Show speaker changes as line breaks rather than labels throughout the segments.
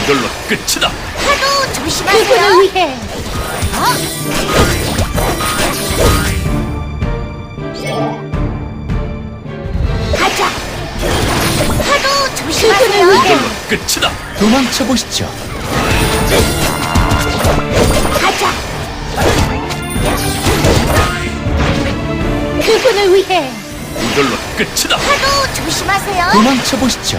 이걸로 끝이다.
파도 조심하세요.
그분을 위해
가자. 파도
그분을
조심하세요.
위해
이걸로 끝이다.
도망쳐 보시죠.
가자.
그분을 위해
이걸로 끝이다.
파도 조심하세요.
도망쳐 보시죠.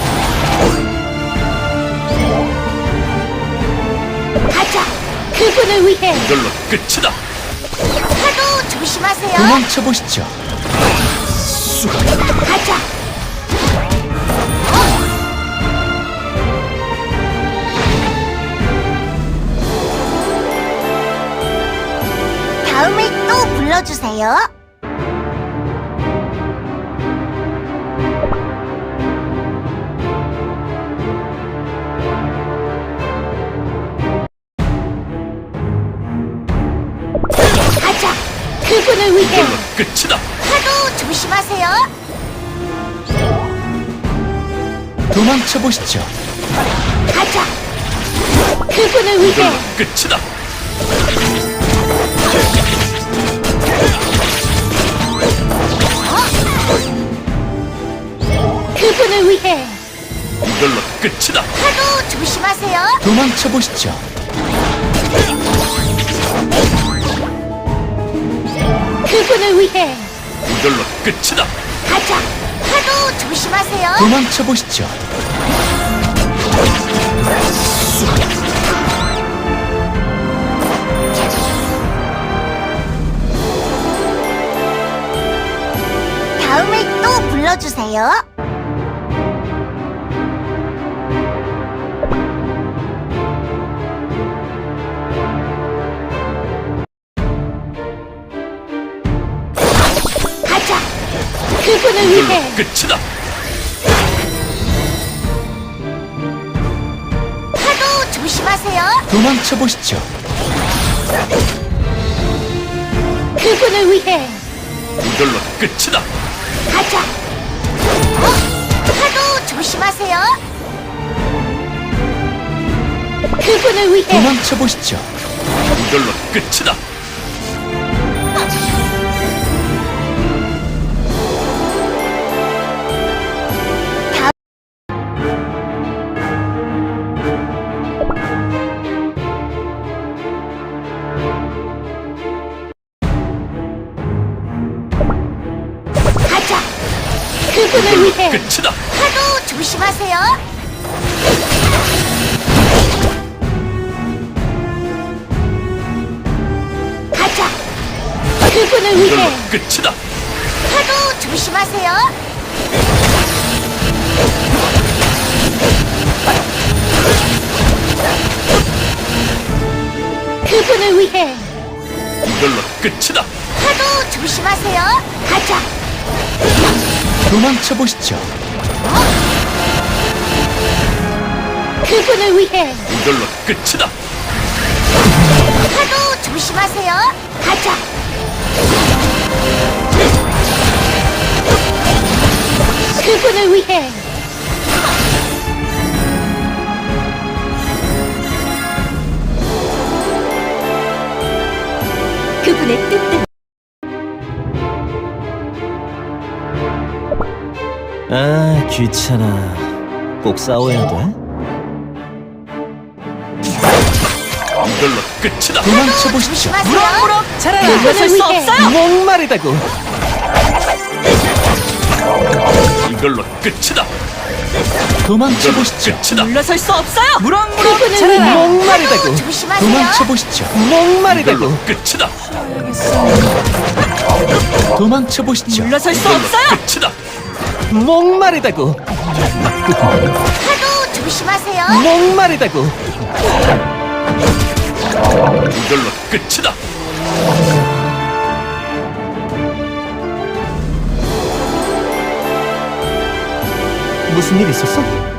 가자.
그분을 위해
이걸로 끝이다.
파도 조심하세요.
도망쳐 보시죠.
가자. 다음에 또 불러주세요. 가자.
그분을 위해
이걸로 끝이다.
파도 조심하세요.
도망쳐 보시죠.
가자.
그분을 위해
이걸로 끝이다.
그분을 위해
이걸로 끝이다.
파도 조심하세요.
도망쳐 보시죠.
그분을 위해
이걸로 끝이다.
가자. 파도 조심하세요.
도망쳐 보시죠.
다음에 또 불러주세요. 가자.
그분을
이걸로
위해
끝이다.
파도 조심하세요.
도망쳐 보시죠.
그분을 위해
이걸로 끝이다.
가자. 파도 조심하세요.
그분을 위해
도망쳐 보시죠.
이걸로 끝이다.
가자.
그분을
이걸로
위해
끝이다.
파도 조심하세요. 가자.
그분을
이걸로
위해
끝이다.
파도 조심하세요.
그분을 위해
이걸로 끝이다.
파도 조심하세요. 가자.
도망쳐 보시죠.
그분을 위해
이걸로 끝이다.
파도 조심하세요. 가자.
그분을 위해 그분의 뜻대로
아, 귀찮아. 꼭 싸워야 돼?
이걸로 끝이다.
도망쳐 보시죠.
조심하세요.
잘하라.
그분을 위해
목마르다고.
이걸로 끝이다.
도망쳐
이걸로
보시죠.
끝이다.
물러설 수 없어요.
그분을
잘하라.
위해
목마르다고.
파도 조심하세요.
도망쳐 보시죠.
이걸로
목마르다고.
끝이다.
도망쳐 보시죠.
물러설 수
이걸로
없어요.
끝이다.
목마르다고.
파도 조심하세요.
목마르다고.
이걸로 끝이다.
무슨 일 있었어?